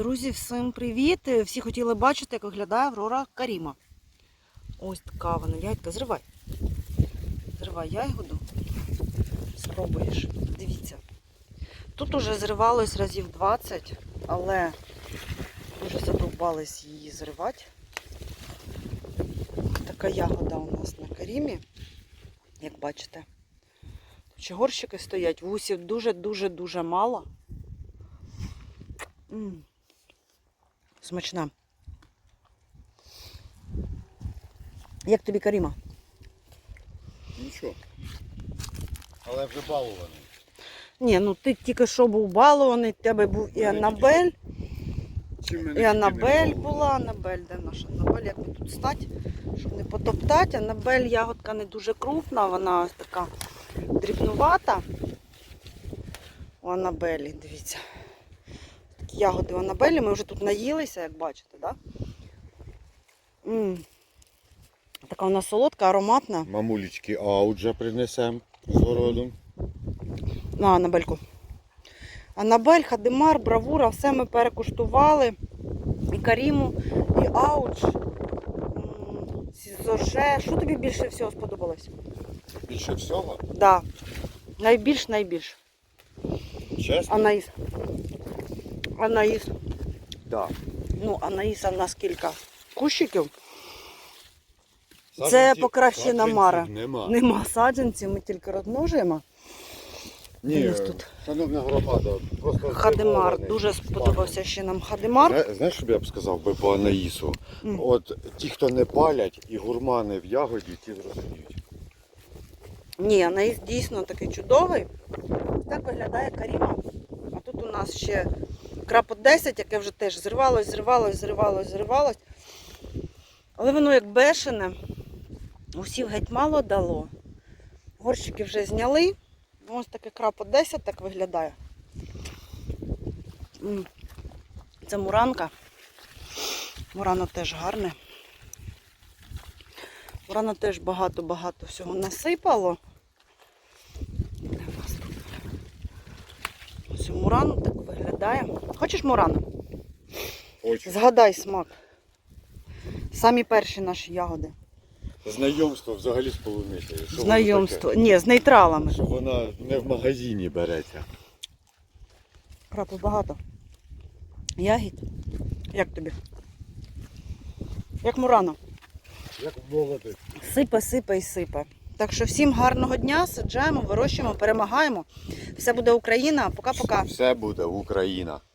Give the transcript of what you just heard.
Друзі, всім привіт! Всі хотіли бачити, як виглядає Аврора Каріма. Ось така вона. Ягідка, зривай. Зривай ягоду. Спробуєш. Дивіться. Тут уже зривалось разів 20, але дуже задовбались її зривати. Така ягода у нас на Карімі, як бачите. Ще горщики стоять, вусів дуже-дуже-дуже мало. Смачна. Як тобі Каріма? Нічого. Але вже балований. Ні, ну ти тільки що був балований, в тебе був і Анабель. І Анабель була. Анабель, де наша Анабель? Як ми тут стати, щоб не потоптати. Анабель ягодка не дуже крупна, вона ось така дрібнувата. У Анабелі, дивіться. Такі ягоди у Анабелі, ми вже тут наїлися, як бачите, так? Така вона солодка, ароматна. Мамулечки ауджа принесемо з городу. На Анабельку. Анабель, Хадимар, Бравура, все ми перекуштували. І Каріму, і ауч, Сізоже. Що тобі більше всього сподобалось? Більше всього? Так. Да. Найбільш. Чесно? Анаїс. Так. Ну, Анаїса в нас кілька кущиків. Це Саджанців покращена мара. Нема. Нема саджанців, ми тільки розмножуємо. Ні, тут. шановна громада, просто Хадимар. здивований. Дуже сподобався ще нам Хадимар. Знаєш, що б я б сказав би по Анаїсу? От ті, хто не палять і гурмани в ягоді, ті зрозуміють. Ні, Анаїс дійсно такий чудовий. Так виглядає Каріма. А тут у нас ще крапот 10, яке вже теж зривалось. Але воно як бешене. Усів геть мало дало. Горщики вже зняли. Ось таке крапот 10 так виглядає. Це муранка. Мурано теж гарне. Мурано теж багато всього насипало. Де в нас тут? Ось мурано так виглядає. Хочеш мурано? Хочу. Згадай смак. Самі перші наші ягоди. Знайомство взагалі з полуницею. Що воно Знайомство. таке? Ні, з нейтралами. Що вона не в магазині береться. Крапу багато. Ягід. Як тобі? Як мурано. Як молоди. Сипе. Так що всім гарного дня, саджаємо, вирощуємо, перемагаємо. Все буде Україна. Пока-пока. Все буде Україна.